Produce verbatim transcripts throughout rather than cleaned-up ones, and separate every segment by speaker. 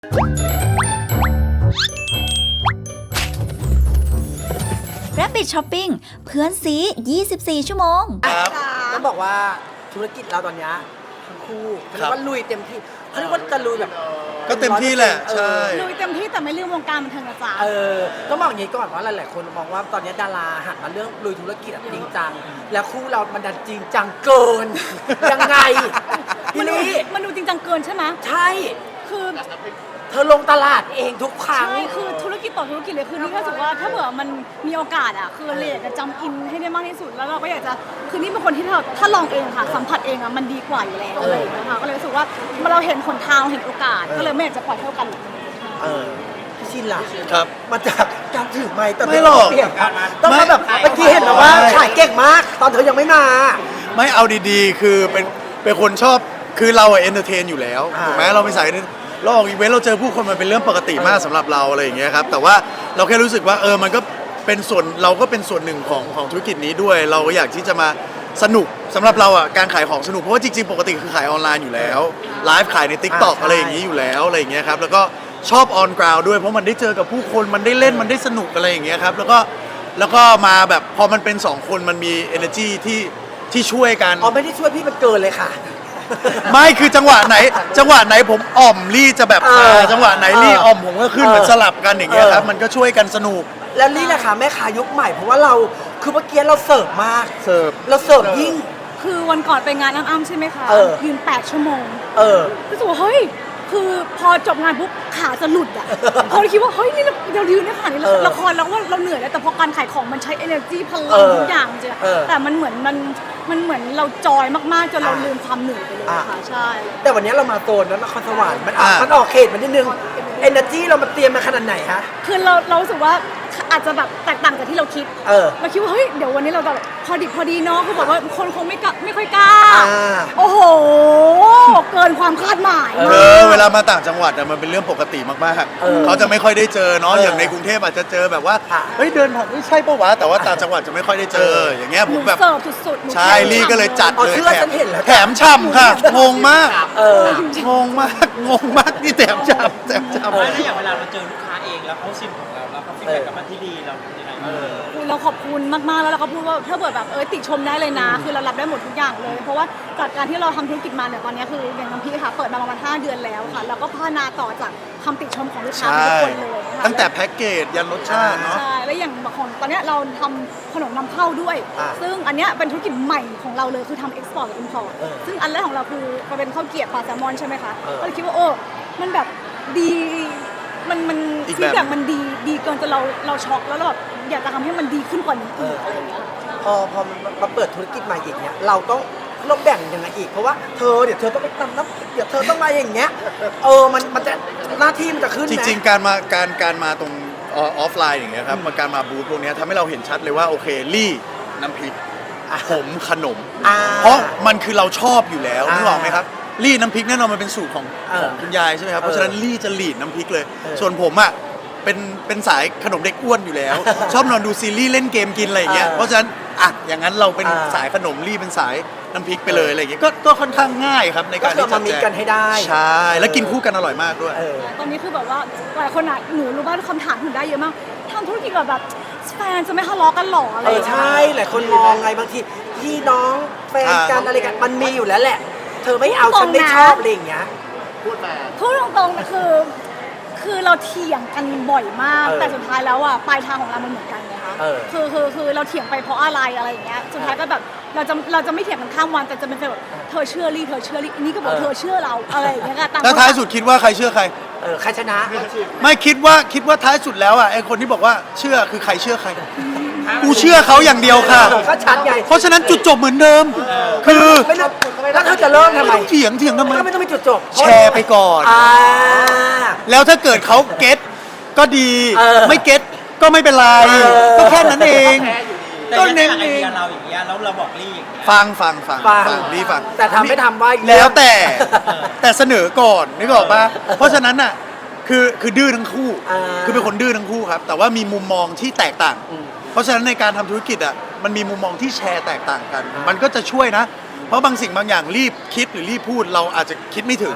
Speaker 1: Rabbit Shopping เพื่อนซียี่สิบสี่ชั่วโมง
Speaker 2: ครับต้องบอกว่าธุรกิจเราตอนนี้ทั้งคู่เขาเรียกว่าลุยเต็มที่เขาเรียกว่าจะลุยแบบ
Speaker 3: ก็เต็มที่แหละใช่
Speaker 4: ลุยเต็มที่แต่ไม่ลืมวงการบันเทิงนะจ๊ะ
Speaker 2: เออต้องบอกอย่างนี้ก่อนว่าหลายๆคนมองว่าตอนนี้ดาราหันมาเรื่องลุยธุรกิจจริงจังแล้วคู่เรามันดันจริงจังเกินยังไงพี่ลี่
Speaker 4: มันดูจริงจังเกินใช่ไหม
Speaker 2: ใช่
Speaker 4: คือ
Speaker 2: เธอลงตลาดเองทุกครั้ง
Speaker 4: ใช่คือธุรกิจต่อธุรกิจเลยคือนี่รู้สึกว่าถ้าเผื่อมันมีโอกาสอ่ะคือเราอยากจะจำอินให้ได้มากที่สุดแล้วเราก็อยากจะคือนี่เป็นคนที่ถ้าถ้าลองเองค่ะสัมผัสเองอ่ะมันดีกว่าอยู่แล้วอะไรอย่างเงี้ยค่ะก็เลยรู้สึกว่าเราเห็นหนทางเห็นโอกาสก็เลยไม่อยากจะปล่อยเท่ากัน
Speaker 2: เออพี่ชินล่ะ
Speaker 3: ครับ
Speaker 2: มาจากการถือไม้แต่
Speaker 3: ไม่หรอก
Speaker 2: ต้องมาแบบเมื่อกี้เห็นแบบว่าขายเก่งมากตอนเธอยังไม่มา
Speaker 3: ไม่เอาดีๆคือเป็นเป็นคนชอบคือเราอะเอนเตอร์เทนอยู่แล้วถูกไหมเราเป็นสายเราออกอีเวนต์เราเจอผู้คนมันเป็นเรื่องปกติมากสำหรับเราอะไรอย่างเงี้ยครับแต่ว่าเราแค่รู้สึกว่าเออมันก็เป็นส่วนเราก็เป็นส่วนหนึ่งของของธุรกิจนี้ด้วยเราก็อยากที่จะมาสนุกสำหรับเราอ่ะการขายของสนุกเพราะว่าจริงๆปกติคือขายออนไลน์อยู่แล้วไลฟ์ขายใน ติ๊กต็อก อะไรอย่างนี้อยู่แล้วอะไรอย่างเงี้ยครับแล้วก็ชอบออนกราวด์ด้วยเพราะมันได้เจอกับผู้คนมันได้เล่นมันได้สนุกอะไรอย่างเงี้ยครับแล้วก็แล้วก็มาแบบพอมันเป็นสองคนมันมี energy ที่ที่ช่วยกัน
Speaker 2: อ๋อไม่ได้ช่วยพี่มันเกินเลยค่ะ
Speaker 3: ไม่คือจังหวะไหนจังหวะไหนผมอ่อมลี่จะแบบจังหวะไหนลี่อ่อมผมก็ขึ้นเหมือนสลับกันอย่างเงี้ยครับมันก็ช่วยกันสนุก
Speaker 2: แล้วลี่แหละค่ะแม่ค้ายุคใหม่เพราะว่าเราคือเมื่อกี้เราเสิร์ฟมาก
Speaker 3: เสิร์ฟ
Speaker 2: เราเสิร์ฟยิ่ง
Speaker 4: คือวันก่อนไปงานอ้ำๆใช่ไหมคะยืนแปดชั่วโมง
Speaker 2: เออ
Speaker 4: รู้สึกว่าเฮ้ยคือพอจบงานปุ๊บขาจะหลุดอ่ะพอเราคิดว่าเฮ้ยนี่เรายืนได้ขนาดนี้ละครแล้วว่าเราเหนื่อยแล้วแต่พอการขายของมันใช้ energy พลังทุกอย่างจริงแต่มันเหมือนมันมันเหมือนเราจอยมากๆจนเราลืมความเหนื่อยไปเลยค่ะใช่
Speaker 2: แต่วันนี้เรามาโซนนั้นนครสวรรค์มันมันออกเขตมันนิดนึง energy เรามาเตรียมมาขนาดไหนคะ
Speaker 4: คือเราเรารู้สึกว่าอาจจะแบบแตกต่างจากที่เราคิดเราคิดว่าเฮ้ยเดี๋ยววันนี้เราแบบพอดิบพอดีเนาะคือบอกว่าคนคงไม่ไม่ค่อยกล้าโอ้โหเกินความคาดหมาย
Speaker 3: เออเวลามาต่างจังหวัดมันเป็นเรื่องปกติมากๆเขาจะไม่ค่อยได้เจอเนาะอย่างในกรุงเทพอาจจะเจอแบบว่าเฮ้ยเดินผ่านไม่ใช่ปะวะแต่ว่าต่างจังหวัดจะไม่ค่อยได้เจออย่างเงี้ยผมแบบ
Speaker 4: เสิร์ฟสุด
Speaker 3: ๆใช่ลี่ก็เลยจัดเลยแถมช่ำค่ะงงมากงงมากงงมากนี่แถมช่ำแถมช่ำ
Speaker 5: แล้วอย่างเวลาเราเจอลูกค้าเองแล้วเขาชิมของเราแล้วเขาฟีดแบ็กกลับมาที่ดีเราทำยังไง
Speaker 4: เราขอบคุณมากๆแล้วเราก็พูดว่าถ้าเกิดแบบเออติชมได้เลยนะคือเรารับได้หมดทุกอย่างเลยเพราะว่าจากการที่เราทำธุรกิจมาเนี่ยตอนนี้คืออย่างน้ำพี่ค่ะเปิดมาประมาณห้าเดือนแล้วค่ะแล้วก็พัฒนาต่อจากคำติชมของลูกค้าทุกคนเลย
Speaker 3: ตั้งแต่แพ็กเกจยันรสชาติเนาะ
Speaker 4: ใช่แล้วอย่างของตอนนี้เราทำขนมนำเข้าด้วยซึ่งอันนี้เป็นธุรกิจใหม่ของเราเลยคือทำเอ็กซ์พอร์ตกับอินพอร์ตซึ่งอันแรกของเราคือมันเป็นข้าวเกรี๊ยวปลาแซลมอนใช่ไหมคะก็เลยคิดว่าโอ้มันแบบดีมันมันฟีดแบ็กมันดีดีเกินจนเราเราช็อกแล้วเราแบบอยากจะทำให้มันดีขึ้นกว่านี้อีกอะไรอย่างเงี้ย
Speaker 2: พอพอมาเปิดธุรกิจใหม่อีกเนี้ยเราต้องเราแบ่งยังไงอีกเพราะว่าเธอเดี๋ยวเธอต้องไปตำน้ำเดี๋ยวเธอต้องมาอย่างเงี้ยเออมันมันจะหน้าที่มันจะขึ้น
Speaker 3: จริงๆการมาการการมาตรงออฟไลน์อย่างเงี้ยครับการมาบูธพวกนี้ทำให้เราเห็นชัดเลยว่าโอเคลี่น้ำพริกผมขนมเพราะมันคือเราชอบอยู่แล้วนึกออกไหมครับลี่น้ำพริกแน่นอนมันเป็นสูตรของของคุณยายใช่ไหมครับเพราะฉะนั้นลี่จะลีดน้ำพริกเลยส่วนผมอ่ะเป็นเป็นสายขนมเด็กอ้วนอยู่แล้วชอบนอนดูซีรีส์เล่นเกมกินอะไรอย่างเงี้ยเพราะฉะนั้นอ่ะอย่างนั้นเราเป็นสายขนมลี่เป็นสายน้ำพริกไปเลยอะไรอย่างเงี้ยก็ก็ค่อนข้างง่ายครับในการที่จะ
Speaker 2: มีกันให้ได้
Speaker 3: ใช่แล้วกินคู่กันอร่อยมากด้วย
Speaker 4: ตอนนี้คือแบบว่าหลายคนอ่ะหนูรู้ว่าคำถามหนูได้เยอะมากทำธุรกิจแบบแบบแฟนจะไม่ทะเลาะกันหรออะไร
Speaker 2: ใช่หลายคนมองไงบางทีพี่น้องแฟนกันอะไรกันมันมีอยู่แล้วแหละเธอไม่เอาฉันไม่ชอบอะไรอย่างเงี้ย
Speaker 4: พูดมาพูดตรงๆคือคือเราเถียงกันบ่อยมากแต่สุดท้ายแล้วอ่ะปลายทางของเรามันเหมือนกันไงคะคือคือคือเราเถียงไปเพราะอะไรอะไรอย่างเงี้ยสุดท้ายก็แบบเราจะเราจะไม่เถียงกันข้ามวันแต่จะเป็นแบบเธอเชื่อลี่เธอเชื่อลี่นี่ก็บอกเธอเชื่อเราอะไรอย่างเงี้ย
Speaker 3: ค่ะแล้วท้ายสุดคิดว่าใครเชื่อใคร
Speaker 2: เออใครชนะ
Speaker 3: ไม่คิดว่าคิดว่าท้ายสุดแล้วอ่ะไอคนที่บอกว่าเชื่อคือใครเชื่อใครกูเชื่อเขาอย่างเดียวค่ะ
Speaker 2: ก็ชัดไง
Speaker 3: เพราะฉะนั้นจุดจบเหมือนเดิมคือ
Speaker 2: แล้วเขาจะเริ่มทำไม
Speaker 3: เถียงเถียงทำไม
Speaker 2: ไม่ต้องมีจุดจบ
Speaker 3: แชร์ไปก่อนแล้วถ้าเกิดเขาเก็ตก็ดีไม่เก็ตก็ไม่เป็นไรก็แค่นั้นเอง
Speaker 5: ก็เน้นเองเราอย่างเงี้ยแล้วเราบอกลี่
Speaker 3: ฟังฟังฟังฟังลี่ฟัง
Speaker 2: แต่ทำไม่ทำว่า
Speaker 3: แล้วแต่แต่เสนอก่อนนึกออกป่ะเพราะฉะนั้นน่ะคือคือดื้อทั้งคู่คือเป็นคนดื้อทั้งคู่ครับแต่ว่ามีมุมมองที่แตกต่างเพราะฉะนั้นในการทำธุรกิจอ่ะมันมีมุมมองที่แชร์แตกต่างกันมันก็จะช่วยนะเพราะบางสิ่งบางอย่างรีบคิดหรือรีบพูดเราอาจจะคิดไม่ถึง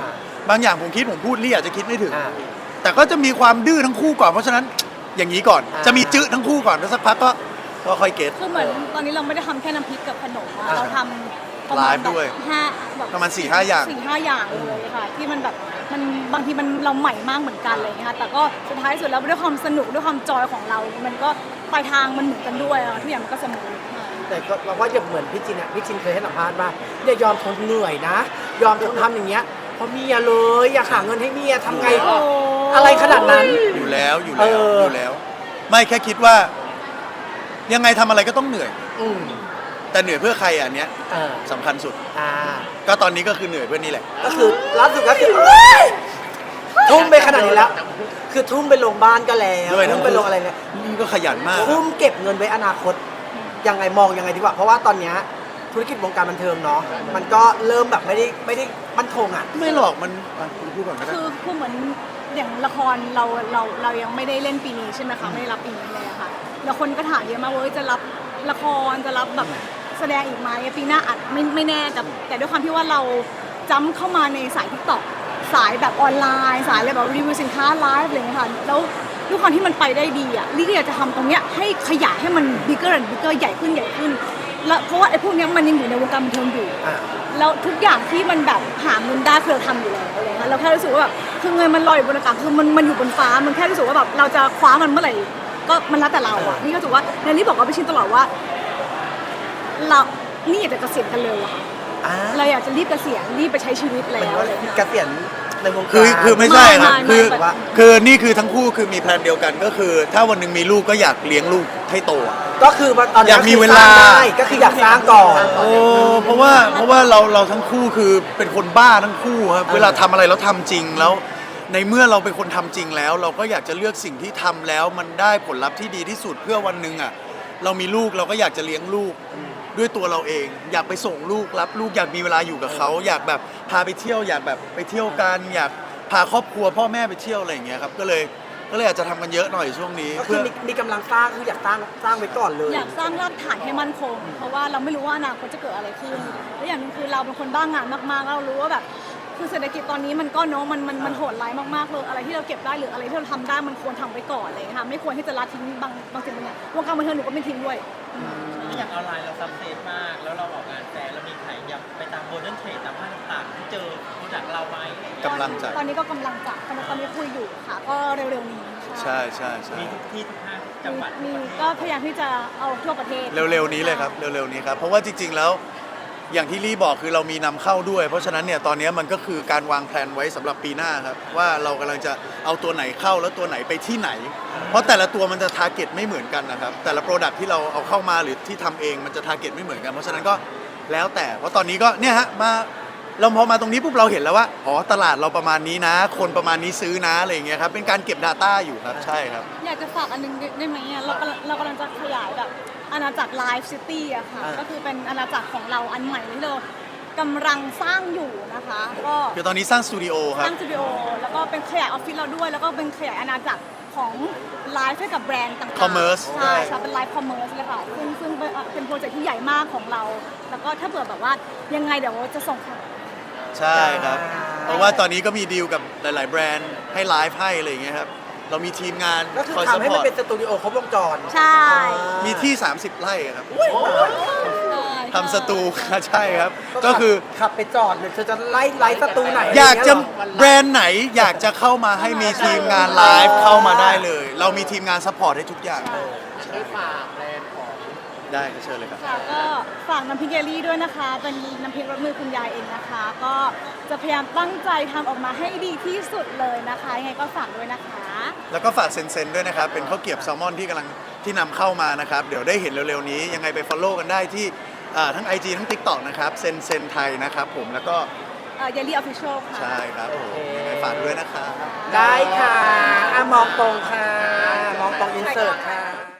Speaker 3: บางอย่างผมคิดผมพูดลี่อาจจะคิดไม่ถึง
Speaker 2: อ่า
Speaker 3: แต่ก็จะมีความดื้อทั้งคู่ก่อนเพราะฉะนั้นอย่างนี้ก่อน
Speaker 2: อ่า
Speaker 3: จะมีจื้อทั้งคู่ก่อนแล้วสักพักก็ก็ค่อยเก็ต
Speaker 4: คือเหมือนตอนนี้เราไม่ได้ทำแค่น้ำพริกกับขนมอะ
Speaker 3: อ่า
Speaker 4: เราทำประมาณ
Speaker 3: ไลฟ์
Speaker 4: แบ
Speaker 3: ด้วย
Speaker 4: บห้าแบบ
Speaker 3: ประมาณสี่ห้าอย่าง
Speaker 4: สี่ห้าอย่างเลยค่ะ ที่มันแบบมันบางทีมันเราใหม่มากเหมือนกันอะไรอย่างเงี้ยค่ะแต่ก็สุดท้ายสุดแล้วด้วยความสนุกด้วยความจอยของเรา มันก็ปลายทางมันเหมือนกันด้วยอะทุกอย่างมันก็สมูทค่ะ
Speaker 2: แต่ก็เราว่าอย่างเหมือนพี่จินอ่ะพี่จินเคยให้สัมภาษณ์ว่าอย่ายอมทนเหนื่อยนะ ยอมทนทำอย่างเงี้ยเพราะเมียเลยอยากหาเงินให้เมียทำไง
Speaker 4: โอ้
Speaker 2: อะไรขนาดนั้น
Speaker 3: อยู่แล้วอยู่
Speaker 2: เอ
Speaker 3: แล้ว
Speaker 2: อ
Speaker 3: อ
Speaker 2: อ
Speaker 3: ยู่แล้ว ไม่แค่คิดว่า ยังไงทำอะไรก็ต้องเหนื่อย
Speaker 2: อืม
Speaker 3: แต่เหนื่อยเพื่อใครอันเนี้ย
Speaker 2: เออ
Speaker 3: สำคัญสุด
Speaker 2: อ่า
Speaker 3: ก็ตอนนี้ก็คือเหนื่อยเพื่อนี่แหละ
Speaker 2: ก็คือล่าสุดก็คือเอ้ยทุ่มไปขนาดนี้แล้ว คือทุ่มไปลงบ้านก็แล้ว
Speaker 3: ด้วยทั้
Speaker 2: ทุ่
Speaker 3: ง
Speaker 2: มไปลงอะไรเนี่ย
Speaker 3: นี่ก็ขยันมาก
Speaker 2: ทุ่มเก็บเงินไว้อนาคตยังไงมองยังไงดีกว่า เพราะว่าตอนเนี้ยธุรกิจวงการบันเทิงเนาะมันก็เริ่มแบบไม่ได้ไม่ได้มั่นคงอ่ะ
Speaker 3: ไม่หรอกมันอ่ะคุณพูดก่อนก็ได้
Speaker 4: คือคือเหมือนอย่างละครเราเราเรายังไม่ได้เล่นปีนี้ใช่ไหมคะไม่ได้รับปีนี้เลยอะค่ะแล้วคนก็ถามเยอะมากว่าเอ้ยจะรับละครจะรับแบบแสดงอีกไหมปีหน้าอาจไม่ไม่แน่แต่แต่ด้วยความที่ว่าเราจ้ำเข้ามาในสายทิกตอกสายแบบออนไลน์ สายอะไรแบบรีวิวสินค้าไลฟ์อะไรอย่างเงี้ยค่ะแล้วด้วยความที่มันไปได้ดีอ่ะลี่ก็อยากจะทำตรงเนี้ยให้ขยายให้มัน bigger and bigger ใหญ่ขึ้นใหญ่ขึ้นแล้วเพราะว่าไอ้พวกเนี้ยมันยังอยู่ในวงการบันเทิงอยู่
Speaker 2: อ่า
Speaker 4: แล้วทุกอย่างที่มันแบบหาเงินได้คือเราทำอยู่แล้วอะไรเงี้ยเราแค่รู้สึกว่าแบบคือเงินมันลอยอยู่บนอากาศคือมันมันอยู่บนฟ้ามันแค่รู้สึกว่าแบบเราจะคว้ามันเมื่อไหร่ก็มันแล้วแต่เราอ่ะนี่ก็รู้สึกว่าในนี้บอกกับพี่ชินตลอดว่า เรานี่อยากจะเกษียณกันเร็วอะค่ะ
Speaker 2: อ่า
Speaker 4: เราอยากจะรีบเกษียณรีบไปใช้ชีวิตแล้วอะไรเงี้ย
Speaker 2: เกษียณในวงการ
Speaker 3: คือคือไม่ใช่ครับ
Speaker 4: ไม่
Speaker 3: คือ
Speaker 4: ไม่ไม่
Speaker 3: คือนี่คือทั้งคู่คือมีแพลนเดียวกันก็คือ ถ้าวันหนึ่งมีลูกก็อยากเลี้ยงลูกให้โตอะ
Speaker 2: ก็คือตอนนี้
Speaker 3: อยากมีเวลา
Speaker 2: สร้งได้ก็คืออยากสร้างก่อน
Speaker 3: โอ้เพราะว่าเพราะว่าเราเราทั้งคู่คือเป็นคนบ้าทั้งคู่ครับ
Speaker 2: เออ
Speaker 3: เวลาทำอะไรเราทำจริงแล้ว ในเมื่อเราเป็นคนทำจริงแล้ว เราก็อยากจะเลือกสิ่งที่ทำแล้วมันได้ผลลัพธ์ที่ดีที่สุดเพื่อวันหนึ่งอ่ะเรามีลูกเราก็อยากจะเลี้ยงลูกด้วยตัวเราเอง อยากไปส่งลูกรับลูกอยากมีเวลาอยู่กับเขาอยากแบบพาไปเที่ยวอยากแบบไปเที่ยวกันอยากพาครอบครัวพ่อแม่ไปเที่ยวอะไรอย่างเงี้ยครับก็เลยก็เลยอาจจะทำกันเยอะหน่อยช่วงนี้
Speaker 2: ก็คื
Speaker 3: เพื่
Speaker 2: อ
Speaker 3: อ
Speaker 2: มีมีกำลังสร้างคืออยากสร้างสร้างไว้ก่อนเลย
Speaker 4: อยากสร้างรากฐานให้มั่นคง เพราะว่าเราไม่รู้ว่าอนาคตจะเกิดอะไรขึ้นและอย่างหนึงคือเราเป็นคนบ้างานมากๆแล้วเรารู้ว่าแบบคือเศรษฐกิจตอนนี้มันก็เนาะมันมันมันโหดร้ายมากๆเลยอะไรที่เราเก็บได้หรืออะไรที่เราทำได้มันควรทำไว้ก่อนเลยค่ะไม่ควรที่จะละทิ้งบางบางสิ่งบางอย่างวงการบันเทิงหนูก็ไม่ทิ้งด้วย
Speaker 5: อย่างออนไลน์เราซับเซฟมาก แล้วเราออกงานแฟร์เรามีขายอยากไปตามโมเดิร์นเทรดตามห้างต่างๆที่เจอโปรดักต์เราไหม
Speaker 3: กำลังจะ
Speaker 4: ตอนนี้ก็กำลังจะตอนนี้ตอนนี้คุยอยู่ค่ะ ก็เร็วๆนี้
Speaker 3: ใช่ใช่ใช่
Speaker 5: มีทุกที่ทุกห้างทุกจังหวัด
Speaker 4: มีก็พยายามที่จะเอาทั่วประเทศ
Speaker 3: เร็วๆนี้เลยครับเร็วๆนี้ครับเพราะว่าจริงๆแล้วอย่างที่ลี่บอกคือเรามีนำเข้าด้วย เพราะฉะนั้นเนี่ยตอนนี้มันก็คือการวางแผนไว้สำหรับปีหน้าครับว่าเรากำลังจะเอาตัวไหนเข้าแล้วตัวไหนไปที่ไหน เพราะแต่ละตัวมันจะทาร์เก็ตไม่เหมือนกันนะครับแต่ละโปรดักที่เราเอาเข้ามาหรือที่ทำเองมันจะทาร์เก็ตไม่เหมือนกันเพราะฉะนั้นก็แล้วแต่เพราะตอนนี้ก็เนี่ยฮะมาเราพอมาตรงนี้ปุ๊บเราเห็นแล้วว่าอ๋อตลาดเราประมาณนี้นะ คนประมาณนี้ซื้อนะอะไรอย่างเงี้ยครับเป็นการเก็บ Data อยู่ครับใช่ครับ
Speaker 4: อยากจะฝากอันนึงได้ไหมอ่ะเรากำลังเรากำลังจะขยายแบบอาณาจักรไลฟ์ซิตี้อะค่ะ
Speaker 2: อ่า
Speaker 4: ก็คือเป็นอาณาจักรของเราอันใหม่ที่เรากำลังสร้างอยู่นะคะ ก็
Speaker 3: คือตอนนี้สร้างสตูดิโอค
Speaker 4: ส
Speaker 3: รับ
Speaker 4: ร้างสตูดิโอแล้วก็เป็นขยายออฟฟิศเราด้วย แล้วก็เป็นขยายอาณาจักรของไลฟ์ให้กับแบรนด์ต่างๆ
Speaker 3: Commerce
Speaker 4: ใช่ใช่เป็นไลฟ์คอมเมอร์สเลยค่ะซึ่งซึ่งเป็นเป็นโปรเจกต์ที่ใหญ่มากของเรา แล้วก็ถ้าเผื่อแบบว่ายังไงเดี๋ยวจะส่งค่ะ
Speaker 3: ใช่ครับ เพราะว่าตอนนี้ก็มีดีลกับหลาย ๆ แบรนด์ให้ไลฟ์ให้อะไรอย่างเงี้ยครับ เรามีทีมงาน
Speaker 2: ก็คือ
Speaker 3: คอยส
Speaker 2: ทำให้
Speaker 3: ป
Speaker 2: มั
Speaker 3: อน ร์ต
Speaker 2: เป็นสตูดิโอครบวงจร
Speaker 4: ใช่
Speaker 3: มีที่ สามสิบ ไร่ครับ
Speaker 4: ใช่
Speaker 3: ทำสตู ใช่ครับ ก็คือ
Speaker 2: ขับไปจอดเนี่ยเธอจะไล่ไล่สตูไหน
Speaker 3: อยากจะ
Speaker 2: ไรเงี้ยหรอ
Speaker 3: แบรนด์ไหนอยากจะเข้ามาให้มีทีมงานไลฟ์เข้ามาได้เลย เรามีทีมงานซัพพอร์ตให้ทุกอย่าง
Speaker 2: ได้ฝากแบรนด์ของ
Speaker 3: ได้ก็เชิญเลยครับ
Speaker 4: ค่ะก็ฝากน้ำพริกเยลลี่ด้วยนะคะ เป็นน้ำพริกรสมือคุณยายเองนะคะ ก็จะพยายามตั้งใจทำออกมาให้ดีที่สุดเลยนะคะยังไงก็ฝากด้วยนะคะ
Speaker 3: แล้วก็ฝากเซนเซนด้วยนะครับ เป็นข้าวเกรี๊ยวแซลมอนที่กำลังที่นำเข้ามานะครับ เดี๋ยวได้เห็นเร็ว ๆ นี้ ยังไงไป follow กันได้ที่อ่าทั้ง ไอ จี ทั้ง TikTok นะครับเซนเซนไทยนะครับผมแล้วก็
Speaker 4: เยลลี่ออฟฟิเชียลค่ะ
Speaker 3: ใช่ครับผมยังไงฝากด้วยนะครับ
Speaker 2: ได้ค่ะอ่ะมองตรงค่ะ มองตรงอินเสิร์ตค่ะ